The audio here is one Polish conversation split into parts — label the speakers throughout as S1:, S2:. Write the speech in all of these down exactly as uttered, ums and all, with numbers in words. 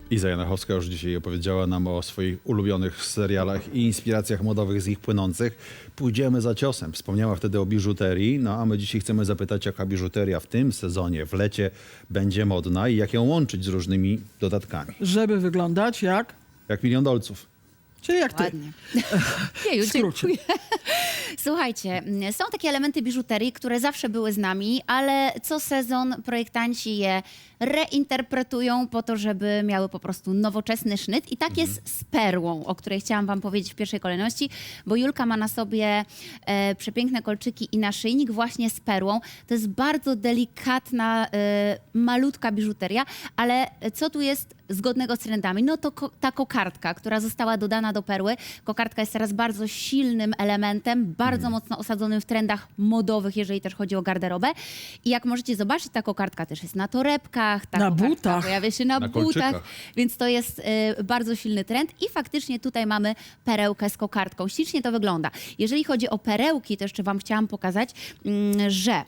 S1: Iza Janachowska już dzisiaj opowiedziała nam o swoich ulubionych serialach i inspiracjach modowych z ich płynących. Pójdziemy za ciosem. Wspomniała wtedy o biżuterii, no a my dzisiaj chcemy zapytać, jaka biżuteria w tym sezonie, w lecie będzie modna i jak ją łączyć z różnymi dodatkami.
S2: Żeby wyglądać jak...
S1: Jak milion dolców.
S2: Czyli jak ty.
S3: Ładnie. Jeju,
S2: W skrócie.
S3: dziękuję. Słuchajcie, są takie elementy biżuterii, które zawsze były z nami, ale co sezon projektanci je reinterpretują po to, żeby miały po prostu nowoczesny sznyt. I tak jest z perłą, o której chciałam wam powiedzieć w pierwszej kolejności, bo Julka ma na sobie e, przepiękne kolczyki i naszyjnik właśnie z perłą. To jest bardzo delikatna, e, malutka biżuteria, ale co tu jest zgodnego z trendami? No to ko ta kokardka, która została dodana do perły. Kokardka jest teraz bardzo silnym elementem, bardzo mm. mocno osadzonym w trendach modowych, jeżeli też chodzi o garderobę. I jak możecie zobaczyć, ta kokardka też jest na torebkach, ta
S2: Na
S3: kokardka
S2: butach.
S3: pojawia się na,
S1: Na
S3: butach,
S1: kolczykach.
S3: więc to jest y, bardzo silny trend. I faktycznie tutaj mamy perełkę z kokardką. Ślicznie to wygląda. Jeżeli chodzi o perełki, to jeszcze wam chciałam pokazać, mm, że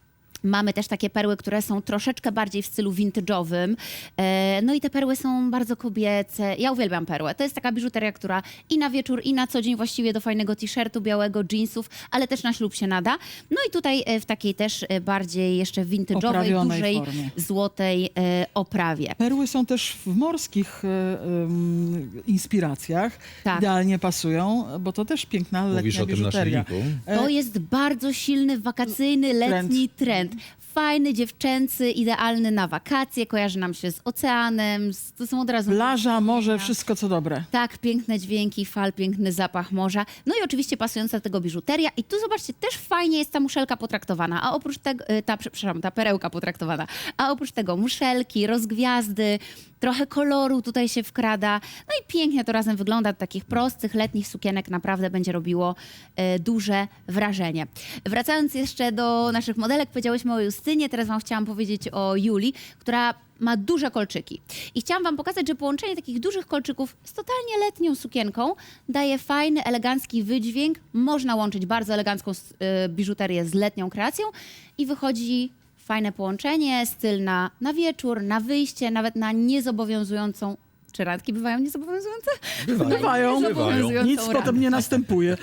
S3: mamy też takie perły, które są troszeczkę bardziej w stylu vintage'owym. E, no i te perły są bardzo kobiece. Ja uwielbiam perłę. To jest taka biżuteria, która i na wieczór, i na co dzień właściwie do fajnego t-shirtu, białego, jeansów, ale też na ślub się nada. No i tutaj e, w takiej też e, bardziej jeszcze vintage'owej,
S2: Oprawionej
S3: dużej,
S2: formie.
S3: złotej e, oprawie.
S2: Perły są też w morskich e, em, inspiracjach.
S3: Tak.
S2: Idealnie pasują, bo to też piękna letnia
S1: Mówisz o tym
S2: biżuteria.
S1: naszyjniku?
S3: To jest bardzo silny, wakacyjny, letni trend. Fajny, dziewczęcy, idealny na wakacje, kojarzy nam się z oceanem, z, to są od razu...
S2: Plaża, morze, wszystko co dobre.
S3: Tak, piękne dźwięki fal, piękny zapach morza. No i oczywiście pasująca do tego biżuteria. I tu zobaczcie, też fajnie jest ta muszelka potraktowana, a oprócz tego, y, ta, przepraszam, ta perełka potraktowana, a oprócz tego muszelki, rozgwiazdy, trochę koloru tutaj się wkrada. No i pięknie to razem wygląda. Do takich prostych, letnich sukienek naprawdę będzie robiło y, duże wrażenie. Wracając jeszcze do naszych modelek, powiedziałyśmy o Justynie, teraz wam chciałam powiedzieć o Julii, która ma duże kolczyki. I chciałam wam pokazać, że połączenie takich dużych kolczyków z totalnie letnią sukienką daje fajny, elegancki wydźwięk. Można łączyć bardzo elegancką y, biżuterię z letnią kreacją i wychodzi fajne połączenie, styl na, na wieczór, na wyjście, nawet na niezobowiązującą. Czy randki bywają niezobowiązujące?
S1: Bywają.
S2: Bywają.
S3: Niezobowiązującą
S2: Nic
S3: randkę.
S2: potem nie następuje.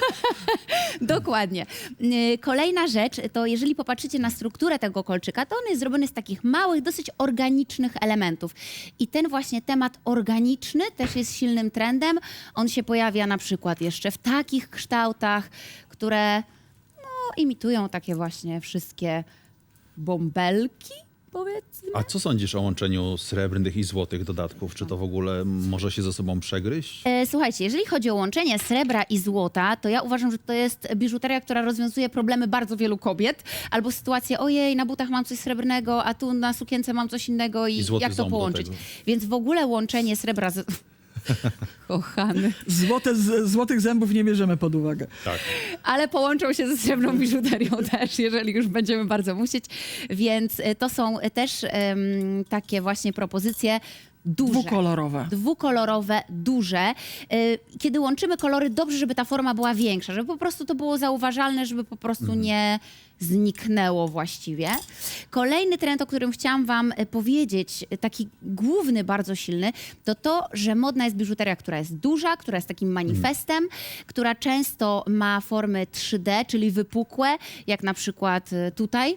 S3: Dokładnie. Yy, Kolejna rzecz, to jeżeli popatrzycie na strukturę tego kolczyka, to on jest zrobiony z takich małych, dosyć organicznych elementów. I ten właśnie temat organiczny też jest silnym trendem. On się pojawia na przykład jeszcze w takich kształtach, które no, imitują takie właśnie wszystkie bąbelki, powiedzmy.
S1: A co sądzisz o łączeniu srebrnych i złotych dodatków? Czy to w ogóle może się ze sobą przegryźć?
S3: E, słuchajcie, jeżeli chodzi o łączenie srebra i złota, to ja uważam, że to jest biżuteria, która rozwiązuje problemy bardzo wielu kobiet. Albo sytuację, ojej, na butach mam coś srebrnego, a tu na sukience mam coś innego i,
S1: I złoty
S3: jak to
S1: ząb do
S3: połączyć?
S1: tego.
S3: Więc w ogóle łączenie srebra z... Kochany.
S2: Złote, z, złotych zębów nie bierzemy pod uwagę.
S1: Tak.
S3: Ale połączą się ze srebrną biżuterią też, jeżeli już będziemy bardzo musieć. Więc y, to są też em, takie właśnie propozycje duże.
S2: Dwukolorowe.
S3: Dwukolorowe, duże. Y, Kiedy łączymy kolory, dobrze, żeby ta forma była większa, żeby po prostu to było zauważalne, żeby po prostu nie zniknęło właściwie. Kolejny trend, o którym chciałam wam y, powiedzieć, y, taki główny, bardzo silny, to to, że modna jest biżuteria, która jest duża, która jest takim manifestem, która często ma formy trzy D, czyli wypukłe, jak na przykład y, tutaj.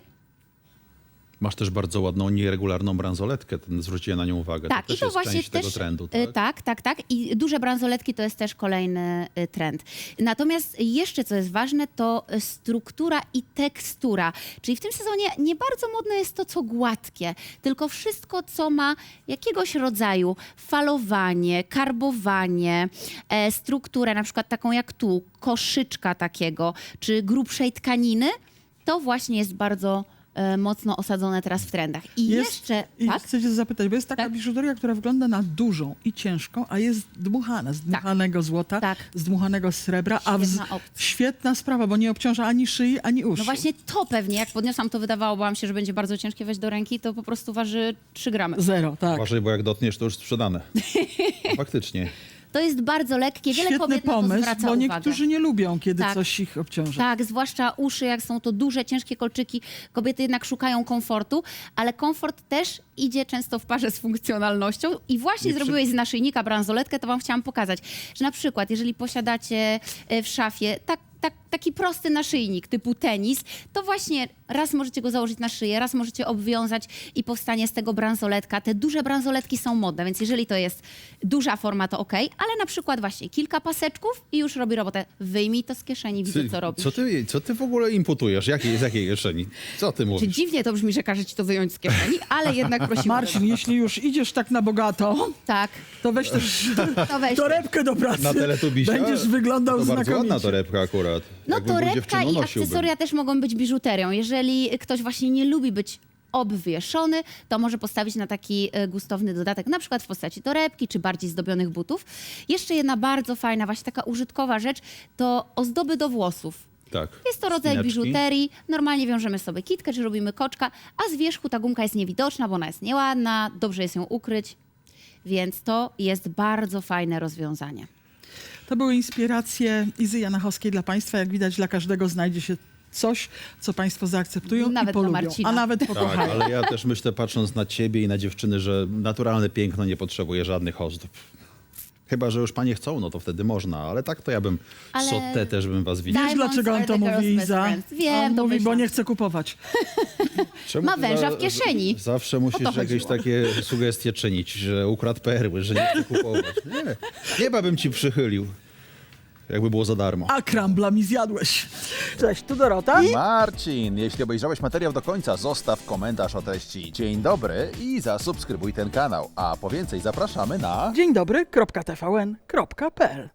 S1: Masz też bardzo ładną, nieregularną bransoletkę. Ten, zwróciłem na nią uwagę.
S3: Tak,
S1: to też
S3: i to
S1: jest
S3: właśnie
S1: część
S3: też,
S1: tego trendu,
S3: y,
S1: tak?
S3: tak, tak, tak. I duże bransoletki to jest też kolejny y, trend. Natomiast jeszcze co jest ważne, to y, struktura i tekstura. Czyli w tym sezonie nie bardzo modne jest to, co gładkie, tylko wszystko, co ma jakiegoś rodzaju falowanie, karbowanie, e, strukturę, na przykład taką jak tu, koszyczka takiego, czy grubszej tkaniny, to właśnie jest bardzo e, mocno osadzone teraz w trendach. I
S2: Jest-
S3: jeszcze...
S2: I
S3: tak?
S2: chcę cię zapytać, bo jest taka
S3: Tak.
S2: biżuteria, która wygląda na dużą i ciężką, a jest dmuchana, z dmuchanego złota,
S3: Tak.
S2: z dmuchanego srebra, a w,
S3: Świetna opcja.
S2: świetna sprawa, bo nie obciąża ani szyi, ani uszu.
S3: No właśnie to pewnie, jak podniosłam, to wydawało wam się, że będzie bardzo ciężkie weź do ręki, to po prostu waży trzy gramy.
S2: Zero, tak.
S1: Uważaj, bo jak dotniesz, to już sprzedane. Faktycznie.
S3: To jest bardzo lekkie, wiele
S2: Świetny
S3: kobiet na to
S2: pomysł,
S3: zwraca
S2: bo
S3: uwagę.
S2: niektórzy nie lubią, kiedy
S3: Tak.
S2: coś ich obciąża.
S3: Tak, zwłaszcza uszy, jak są to duże, ciężkie kolczyki. Kobiety jednak szukają komfortu, ale komfort też idzie często w parze z funkcjonalnością. I właśnie
S1: Nie przy-
S3: zrobiłeś z naszyjnika bransoletkę, to wam chciałam pokazać, że na przykład, jeżeli posiadacie e, w szafie tak, tak, taki prosty naszyjnik typu tenis, to właśnie raz możecie go założyć na szyję, raz możecie obwiązać i powstanie z tego bransoletka. Te duże bransoletki są modne, więc jeżeli to jest duża forma, to okej, ale na przykład właśnie kilka paseczków i już robi robotę. Wyjmij to z kieszeni, widzę, co robisz.
S1: Co ty, co ty w ogóle imputujesz? Jakiej, z jakiej kieszeni? Co ty
S3: Czy
S1: mówisz?
S3: dziwnie to brzmi, że każe ci to wyjąć z kieszeni, ale jednak prosimy.
S2: Marcin, jeśli już idziesz tak na bogato,
S3: Tak,
S2: to weź też
S3: to weź.
S2: torebkę do pracy.
S1: Na Teletubisia?
S2: Będziesz wyglądał
S1: to bardzo
S2: znakomicie.
S1: ładna torebka akurat.
S3: No
S1: Jakbym był
S3: torebka
S1: dziewczyną,
S3: i
S1: nosiłbym.
S3: akcesoria też mogą być biżuterią. Jeżeli ktoś właśnie nie lubi być obwieszony, to może postawić na taki e, gustowny dodatek, na przykład w postaci torebki czy bardziej zdobionych butów. Jeszcze jedna bardzo fajna, właśnie taka użytkowa rzecz, to ozdoby do włosów.
S1: Tak.
S3: Jest to rodzaj
S1: Spinaczki.
S3: biżuterii. Normalnie wiążemy sobie kitkę, czy robimy koczka, a z wierzchu ta gumka jest niewidoczna, bo ona jest nieładna, dobrze jest ją ukryć. Więc to jest bardzo fajne rozwiązanie.
S2: To były inspiracje Izy Janachowskiej dla Państwa. Jak widać, dla każdego znajdzie się coś, co Państwo zaakceptują
S3: Nawet
S2: i
S3: dla
S2: polubią,
S3: Marcina.
S2: a nawet
S1: Tak,
S2: pokochają.
S1: ale ja też myślę, patrząc na ciebie i na dziewczyny, że naturalne piękno nie potrzebuje żadnych ozdób. Chyba że już panie chcą, no to wtedy można, ale tak to ja bym
S3: Ale-
S1: sotę też bym was widział.
S2: Wiesz,
S3: Diamonds
S2: dlaczego on
S3: are
S2: to
S3: the girl's
S2: mówi,
S3: best
S2: Iza?
S3: friends. Wiem,
S2: on
S3: to
S2: mówi, bo
S3: myślałam.
S2: nie chce kupować.
S1: Czemu
S3: Ma
S1: ty
S3: węża
S1: za-
S3: w kieszeni.
S1: Zawsze
S3: O
S1: musisz
S3: to
S1: jakieś
S3: chodziło.
S1: takie sugestie czynić, że ukradł perły, że nie chce kupować. Nie, nieba bym ci przychylił, jakby było za darmo.
S2: A krambla mi zjadłeś. Cześć, tu Dorota.
S4: Marcin, jeśli obejrzałeś materiał do końca, zostaw komentarz o treści dzień dobry i zasubskrybuj ten kanał. A po więcej zapraszamy na...
S2: Dzień dobry, kropka T V N, kropka P L.